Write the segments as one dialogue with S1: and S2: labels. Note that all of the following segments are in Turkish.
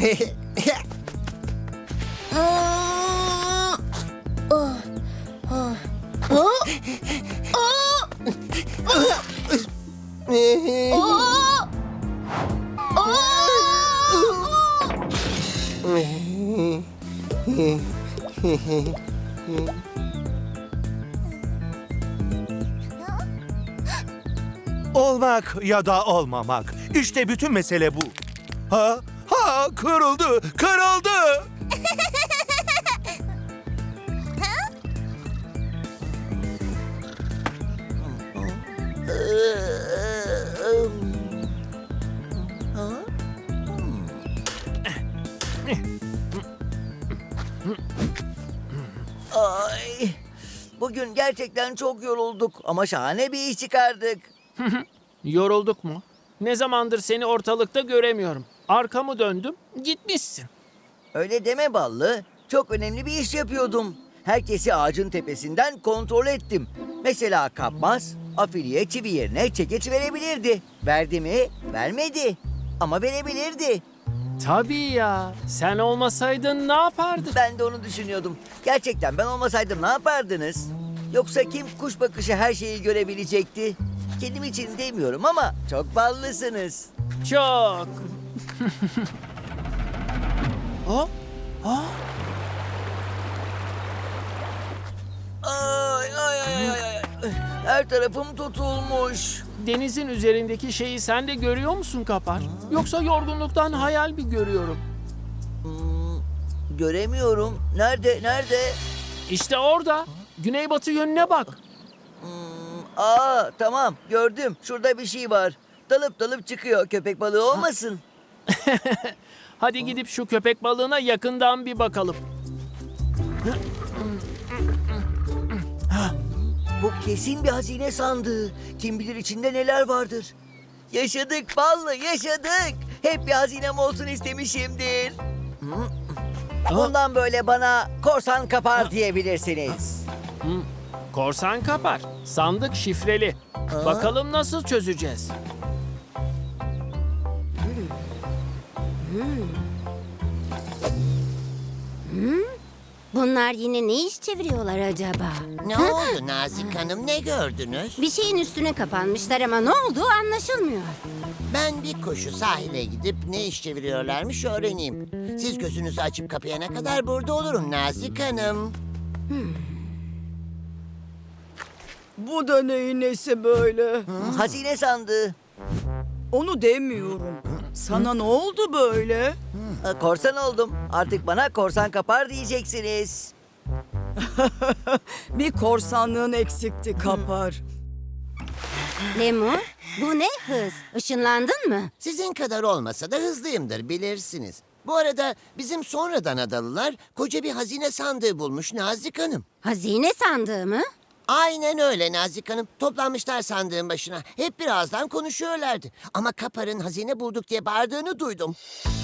S1: Olmak ya da olmamak. İşte bütün mesele bu. Kırıldı, kırıldı.
S2: Ay, bugün gerçekten çok yorulduk ama şahane bir iş çıkardık.
S3: Yorulduk mu? Ne zamandır seni ortalıkta göremiyorum. Arkamı döndüm, gitmişsin.
S2: Öyle deme Ballı. Çok önemli bir iş yapıyordum. Herkesi ağacın tepesinden kontrol ettim. Mesela kapmaz, afiliye çivi yerine çekeç verebilirdi. Verdi mi? Vermedi. Ama verebilirdi.
S3: Tabii ya. Sen olmasaydın ne yapardın?
S2: Ben de onu düşünüyordum. Gerçekten ben olmasaydım ne yapardınız? Yoksa kim kuş bakışı her şeyi görebilecekti? Kendim için demiyorum ama çok ballısınız.
S3: Çok. O?
S2: Ay ay ay ay ay. Her tarafım tutulmuş.
S3: Denizin üzerindeki şeyi sen de görüyor musun Kapar? Yoksa yorgunluktan hayal mi görüyorum?
S2: Göremiyorum. Nerede? Nerede?
S3: İşte orada. Güneybatı yönüne bak.
S2: Tamam gördüm. Şurada bir şey var. Dalıp dalıp çıkıyor. Köpek balığı olmasın?
S3: Hadi gidip şu köpek balığına yakından bir bakalım.
S2: Bu kesin bir hazine sandığı. Kim bilir içinde neler vardır. Yaşadık Ballı, yaşadık. Hep bir hazinem olsun istemişimdir. Bundan böyle bana korsan kapar diyebilirsiniz.
S3: Korsan Kapar. Sandık şifreli. Bakalım nasıl çözeceğiz?
S4: Bunlar yine ne iş çeviriyorlar acaba?
S5: Ne oldu Nazik Hanım, ne gördünüz?
S4: Bir şeyin üstüne kapanmışlar ama ne olduğu anlaşılmıyor.
S5: Ben bir koşu sahile gidip ne iş çeviriyorlarmış öğreneyim. Siz gözünüzü açıp kapayana kadar burada olurum Nazik Hanım.
S6: Bu da neyin nesi böyle?
S2: Hazine sandığı.
S6: Onu demiyorum. Sana ne oldu böyle?
S2: Korsan oldum. Artık bana korsan kapar diyeceksiniz.
S6: Bir korsanlığın eksikti Kapar.
S4: Lemur, bu ne hız? Işınlandın mı?
S5: Sizin kadar olmasa da hızlıyımdır bilirsiniz. Bu arada bizim sonradan adalılar koca bir hazine sandığı bulmuş Nazik Hanım.
S4: Hazine sandığı mı?
S5: Aynen öyle Nazik Hanım. Toplanmışlar sandığın başına. Hep birazdan konuşuyorlardı. Ama Kapar'ın hazine bulduk diye bağırdığını duydum.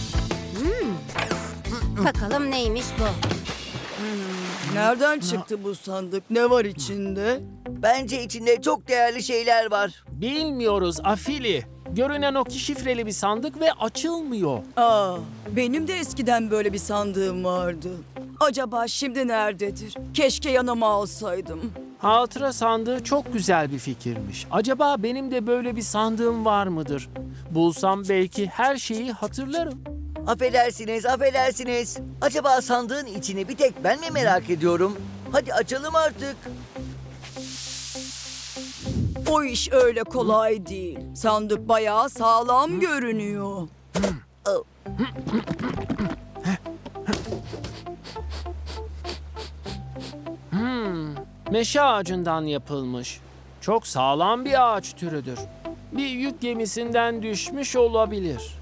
S4: Bakalım neymiş bu?
S6: Nereden çıktı bu sandık? Ne var içinde?
S2: Bence içinde çok değerli şeyler var.
S3: Bilmiyoruz Afili. Görünen o ki şifreli bir sandık ve açılmıyor.
S6: Benim de eskiden böyle bir sandığım vardı. Acaba şimdi nerededir? Keşke yanıma alsaydım.
S3: Hatıra sandığı çok güzel bir fikirmiş. Acaba benim de böyle bir sandığım var mıdır? Bulsam belki her şeyi hatırlarım.
S2: Affedersiniz, affedersiniz. Acaba sandığın içini bir tek ben mi merak ediyorum? Hadi açalım artık.
S6: O iş öyle kolay değil. Sandık bayağı sağlam görünüyor.
S3: Meşe ağacından yapılmış. Çok sağlam bir ağaç türüdür. Bir yük gemisinden düşmüş olabilir.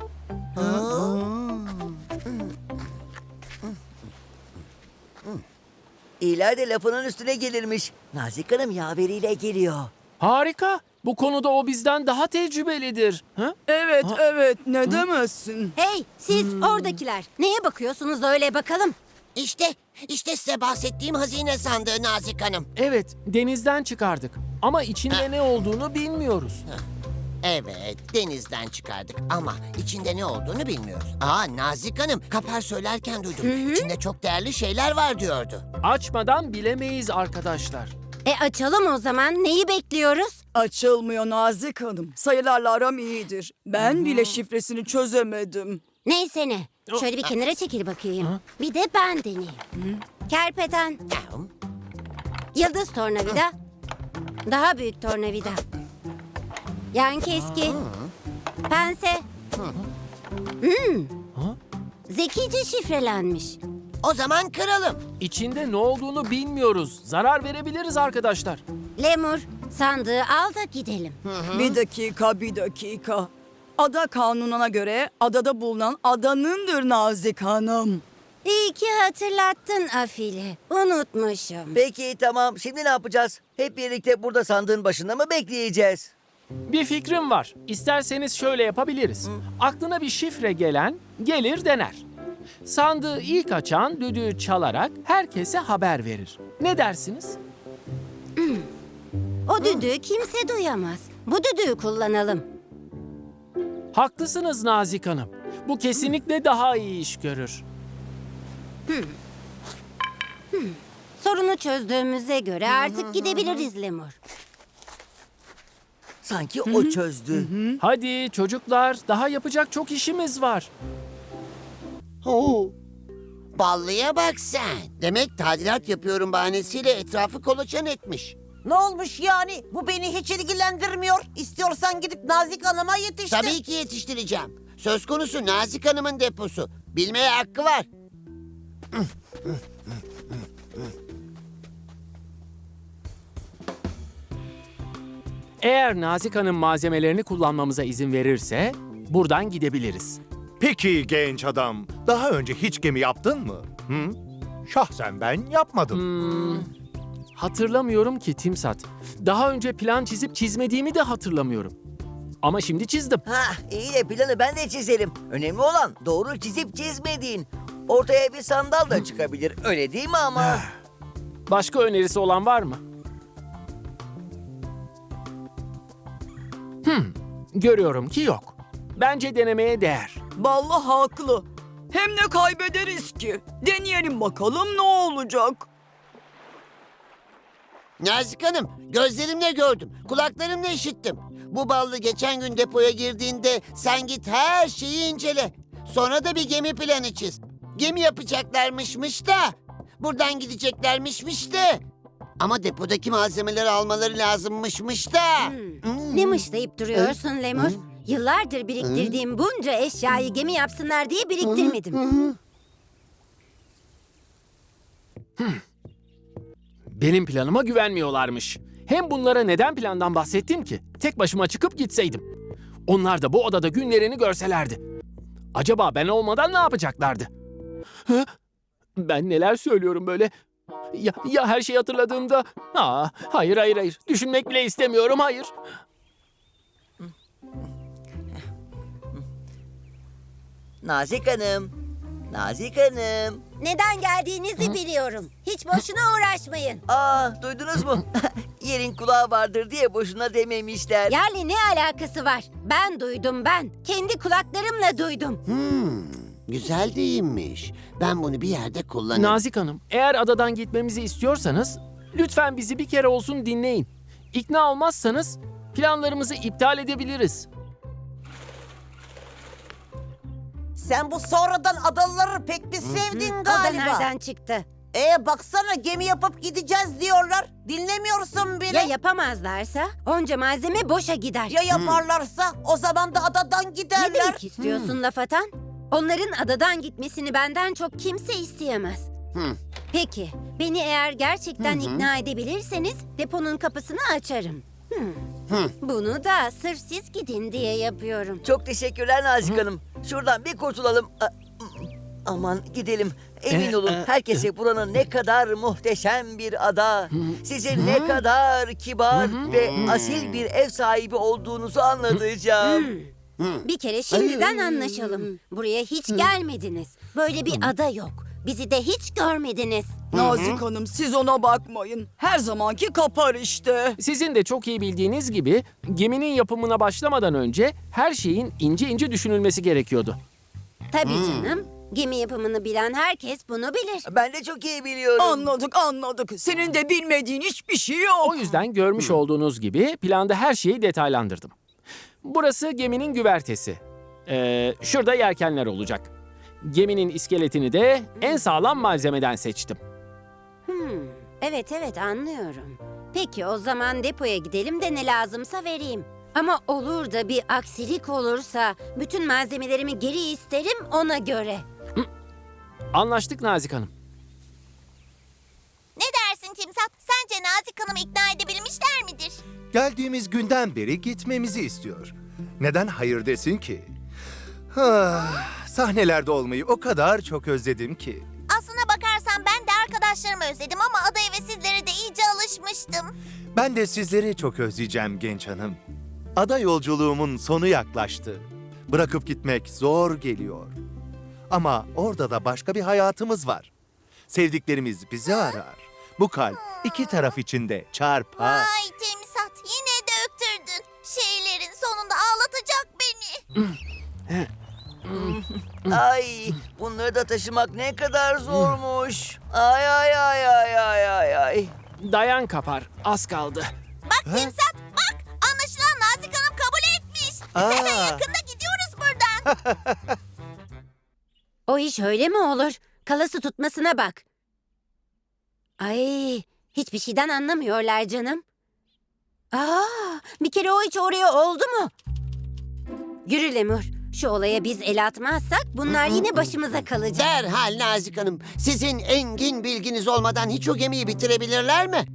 S2: İyiler de lafının üstüne gelirmiş. Nazik Hanım yaveriyle geliyor.
S3: Harika. Bu konuda o bizden daha tecrübelidir. Ha?
S6: Evet, evet. Ne demezsin?
S4: Hey, siz oradakiler. Neye bakıyorsunuz öyle bakalım?
S5: İşte size bahsettiğim hazine sandığı Nazik Hanım.
S3: Evet, denizden çıkardık. Ama içinde ne olduğunu bilmiyoruz.
S5: Evet, denizden çıkardık ama içinde ne olduğunu bilmiyoruz. Nazik Hanım, Kapar söylerken duydum. İçinde çok değerli şeyler var diyordu.
S3: Açmadan bilemeyiz arkadaşlar.
S4: Açalım o zaman. Neyi bekliyoruz?
S6: Açılmıyor Nazik Hanım. Sayılarla aram iyidir. Ben bile şifresini çözemedim.
S4: Neyse ne. Şöyle bir kenara çekil bakayım. Bir de ben deneyeyim. Kerpeten, yıldız tornavida, daha büyük tornavida, yan keski, pense. Zekice şifrelenmiş.
S5: O zaman kıralım.
S3: İçinde ne olduğunu bilmiyoruz. Zarar verebiliriz arkadaşlar.
S4: Lemur, sandığı al da gidelim.
S6: Bir dakika. Ada kanununa göre adada bulunan adanındır Nazik Hanım.
S4: İyi ki hatırlattın Afili. Unutmuşum.
S2: Peki tamam. Şimdi ne yapacağız? Hep birlikte burada sandığın başında mı bekleyeceğiz?
S3: Bir fikrim var. İsterseniz şöyle yapabiliriz. Aklına bir şifre gelen gelir dener. Sandığı ilk açan düdüğü çalarak herkese haber verir. Ne dersiniz?
S4: O düdüğü kimse duyamaz. Bu düdüğü kullanalım.
S3: Haklısınız Nazik Hanım. Bu kesinlikle daha iyi iş görür.
S4: Sorunu çözdüğümüze göre artık gidebiliriz Lemur.
S2: Sanki o çözdü.
S3: Hadi çocuklar, daha yapacak çok işimiz var.
S5: Ballıya bak sen. Demek tadilat yapıyorum bahanesiyle etrafı kolaçan etmiş.
S7: Ne olmuş yani? Bu beni hiç ilgilendirmiyor. İstiyorsan gidip Nazik Hanım'a yetiştir.
S5: Tabii ki yetiştireceğim. Söz konusu Nazik Hanım'ın deposu. Bilmeye hakkı var.
S3: Eğer Nazik Hanım malzemelerini kullanmamıza izin verirse buradan gidebiliriz.
S1: Peki genç adam, daha önce hiç gemi yaptın mı? Hı? Şahsen ben yapmadım.
S3: Hatırlamıyorum ki Timsat. Daha önce plan çizip çizmediğimi de hatırlamıyorum. Ama şimdi çizdim.
S2: İyi de planı ben de çizerim. Önemli olan doğru çizip çizmediğin. Ortaya bir sandal da çıkabilir. Öyle değil mi ama?
S3: Başka önerisi olan var mı? Görüyorum ki yok. Bence denemeye değer.
S6: Ballı haklı. Hem ne kaybederiz ki? Deneyelim bakalım ne olacak?
S5: Nazik Hanım, gözlerimle gördüm, kulaklarımla işittim. Bu ballı geçen gün depoya girdiğinde sen git her şeyi incele. Sonra da bir gemi planı çiz. Gemi yapacaklarmışmış da, buradan gideceklermişmiş de. Ama depodaki malzemeleri almaları lazımmışmış da.
S4: Ne mışlayıp duruyorsun Lemur? Yıllardır biriktirdiğim bunca eşyayı gemi yapsınlar diye biriktirmedim.
S3: Benim planıma güvenmiyorlarmış. Hem bunlara neden plandan bahsettim ki? Tek başıma çıkıp gitseydim. Onlar da bu odada günlerini görselerdi. Acaba ben olmadan ne yapacaklardı? Hı? Ben neler söylüyorum böyle? Ya her şeyi hatırladığımda? Hayır. Düşünmek bile istemiyorum, hayır.
S2: Nazik Hanım. Nazik Hanım.
S4: Neden geldiğinizi biliyorum. Hiç boşuna uğraşmayın.
S2: Duydunuz mu? Yerin kulağı vardır diye boşuna dememişler.
S4: Yani ne alakası var? Ben duydum ben. Kendi kulaklarımla duydum.
S5: Güzel değilmiş. Ben bunu bir yerde kullanırım.
S3: Nazik Hanım, eğer adadan gitmemizi istiyorsanız lütfen bizi bir kere olsun dinleyin. İkna olmazsanız planlarımızı iptal edebiliriz.
S7: Sen bu sonradan adalıları pek bir sevdin
S4: O da
S7: galiba.
S4: nereden çıktı?
S7: Baksana gemi yapıp gideceğiz diyorlar. Dinlemiyorsun beni.
S4: Ya yapamazlarsa onca malzeme boşa gider.
S7: Ya yaparlarsa o zaman da adadan
S4: Ne
S7: giderler.
S4: demek istiyorsun laf atan? Onların adadan gitmesini benden çok kimse isteyemez. Peki, beni eğer gerçekten ikna edebilirseniz deponun kapısını açarım. Bunu da sırf siz gidin diye yapıyorum.
S2: Çok teşekkürler Nazik Hanım. Şuradan bir kurtulalım. Aman gidelim. Emin olun herkese buranın ne kadar muhteşem bir ada. Sizin ne kadar kibar ve asil bir ev sahibi olduğunuzu anlatacağım.
S4: Bir kere şimdiden anlaşalım. Buraya hiç gelmediniz. Böyle bir ada yok. Bizi de hiç görmediniz.
S6: Nazik Hanım siz ona bakmayın. Her zamanki kapar işte.
S3: Sizin de çok iyi bildiğiniz gibi geminin yapımına başlamadan önce her şeyin ince ince düşünülmesi gerekiyordu.
S4: Tabii canım. Gemi yapımını bilen herkes bunu bilir.
S2: Ben de çok iyi biliyorum.
S6: Anladık. Senin de bilmediğin hiçbir şey yok.
S3: O yüzden görmüş olduğunuz gibi planda her şeyi detaylandırdım. Burası geminin güvertesi. Şurada yelkenler olacak. Geminin iskeletini de en sağlam malzemeden seçtim.
S4: Evet anlıyorum. Peki o zaman depoya gidelim de ne lazımsa vereyim. Ama olur da bir aksilik olursa bütün malzemelerimi geri isterim ona göre.
S3: Anlaştık Nazik Hanım.
S8: Ne dersin Timsat? Sence Nazik Hanım'ı ikna edebilmişler midir?
S1: Geldiğimiz günden beri gitmemizi istiyor. Neden hayır desin ki? Sahnelerde olmayı o kadar çok özledim ki.
S8: Aslına bakarsan ben de arkadaşlarımı özledim ama adaya ve sizlere de iyice alışmıştım.
S1: Ben de sizleri çok özleyeceğim genç hanım. Ada yolculuğumun sonu yaklaştı. Bırakıp gitmek zor geliyor. Ama orada da başka bir hayatımız var. Sevdiklerimiz bizi arar. Bu kalp iki taraf için de çarpar.
S8: Ay Timsat yine döktürdün. Şeylerin sonunda ağlatacak beni.
S2: Ay, bunları da taşımak ne kadar zormuş. Ay.
S3: Dayan Kapar, az kaldı.
S8: Bak Timsat bak. Anlaşılan Nazik Hanım kabul etmiş. Yakında gidiyoruz buradan.
S4: O iş öyle mi olur? Kalası tutmasına bak. Ay, hiçbir şeyden anlamıyorlar canım. Bir kere o hiç oraya oldu mu? Yürü Lemur. Şu olaya biz el atmazsak bunlar yine başımıza kalacak.
S5: Derhal Nazik Hanım. Sizin engin bilginiz olmadan hiç o gemiyi bitirebilirler mi?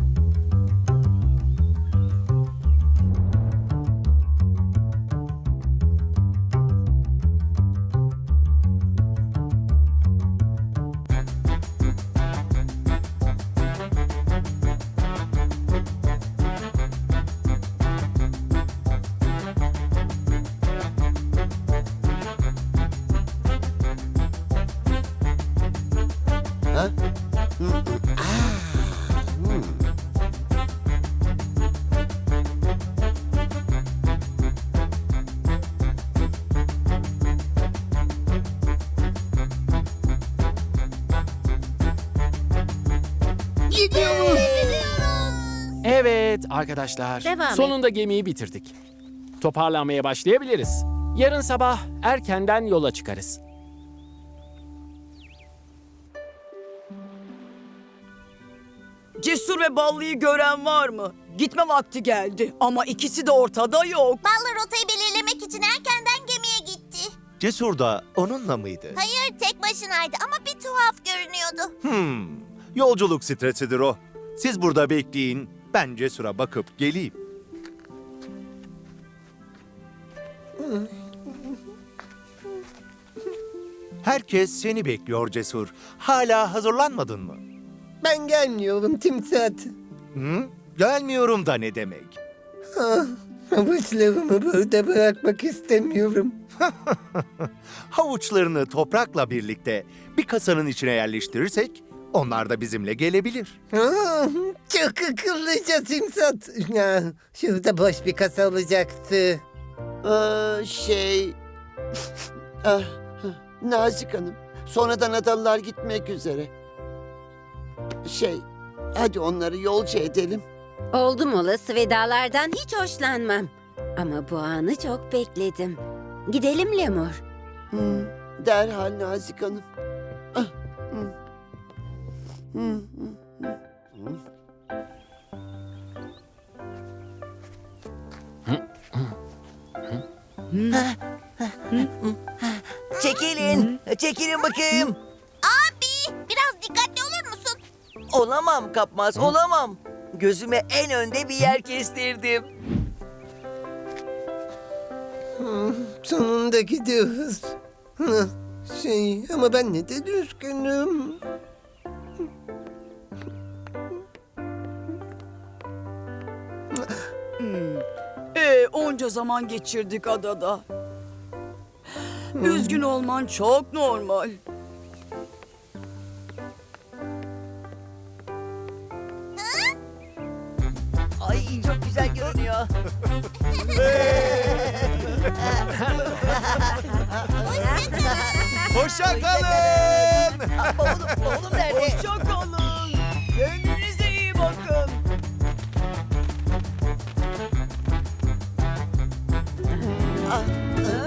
S3: Evet arkadaşlar,
S4: Devam et.
S3: sonunda gemiyi bitirdik. Toparlanmaya başlayabiliriz. Yarın sabah erkenden yola çıkarız.
S6: Cesur ve Ballı'yı gören var mı? Gitme vakti geldi ama ikisi de ortada yok.
S8: Ballı rotayı belirlemek için erkenden gemiye gitti.
S1: Cesur da onunla mıydı?
S8: Hayır tek başınaydı ama bir tuhaf görünüyordu.
S1: Yolculuk stresidir o. Siz burada bekleyin, ben Cesur'a bakıp geleyim. Herkes seni bekliyor Cesur. Hala hazırlanmadın mı?
S5: Ben gelmiyorum Timsat.
S1: Gelmiyorum da ne demek?
S5: Havuçlarımı burada bırakmak istemiyorum.
S1: Havuçlarını toprakla birlikte bir kasanın içine yerleştirirsek onlar da bizimle gelebilir.
S5: Çok akıllıca Timsat. Şurada boş bir kasa olacaktı. Nazik Hanım, sonradan adalılar gitmek üzere. Hadi onları yolcu edelim.
S4: Oldum olası vedalardan hiç hoşlanmam. Ama bu anı çok bekledim. Gidelim Lemur.
S5: Derhal Nazik Hanım.
S2: Çekilin bakayım.
S8: Abi biraz dikkatli olur musun?
S2: Olamam Kapmaz, olamam. Gözüme en önde bir yer kestirdim.
S5: Sonunda gidiyoruz. Ama ben ne de üzgünüm.
S6: Onca zaman geçirdik adada. Üzgün olman çok normal.
S2: çok güzel görünüyor.
S1: Hoşça kalın.
S2: Bavulum